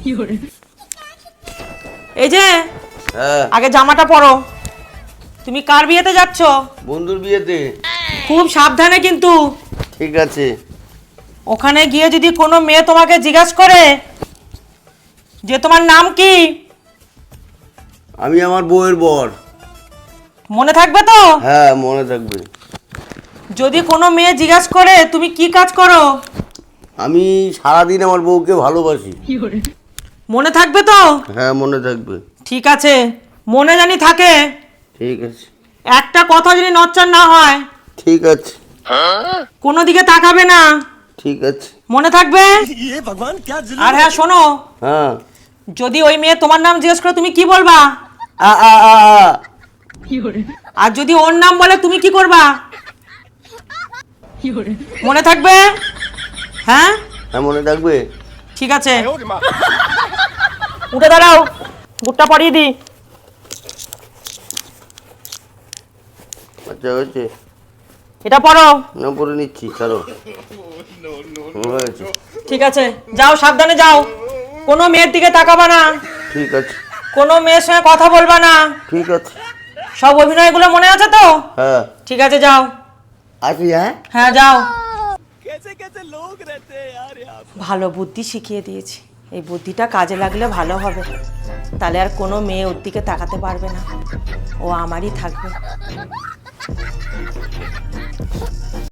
এই যে হ্যাঁ আগে জামাটা পরো। তুমি কার বিয়েতে যাচ্ছ? বন্ধুর বিয়েতে। খুব সাবধানে কিন্তু। ঠিক আছে। ওখানে গিয়ে যদি কোনো মেয়ে তোমাকে জিজ্ঞাসা করে যে তোমার নাম কি, আমি আমার বউয়ের বর। মনে থাকবে তো? হ্যাঁ মনে থাকবে। যদি কোনো মেয়ে জিজ্ঞাসা করে তুমি কি কাজ করো, আমি সারাদিন আমার বউকে ভালোবাসি। মনে থাকবে তো? হ্যাঁ মনে থাকবে। ঠিক আছে, মনে জানি থাকে। ঠিক আছে। একটা কথা যদি নচ্চার না হয়, ঠিক আছে। কোনো দিকে তাকাবে না। ঠিক আছে। মনে থাকবে? আর হ্যাঁ শোনো, হ্যাঁ। যদি ওই মেয়ে তোমার নাম জিজ্ঞেস করে তুমি কি বলবা? আ আ আ আ। আর যদি ওর নাম বলে তুমি কি করবা? মনে থাকবে? হ্যাঁ হ্যাঁ মনে থাকবে। ঠিক আছে, উঠে দাঁড়াও, বুটটা পরিয়ে দি। আচ্ছা হয়েছে। এটা পরো। না পরে নিচ্ছি, ছাড়ো। হয়েছে। ঠিক আছে, যাও, সাবধানে যাও। কোনো মেয়ের দিকে তাকাবা না, ঠিক আছে। কোনো মেয়ের সঙ্গে কথা বলবা না। ঠিক আছে। সব অভিনয়গুলো মনে আছে তো? হ্যাঁ ঠিক আছে, যাও। আসি। হ্যাঁ হ্যাঁ যাও। ভালো বুদ্ধি শিখিয়ে দিয়েছি, এই বুদ্ধিটা কাজে লাগলে ভালো হবে। তাহলে আর কোনো মেয়ে ওর দিকে তাকাতে পারবে না, ও আমারই থাকবে।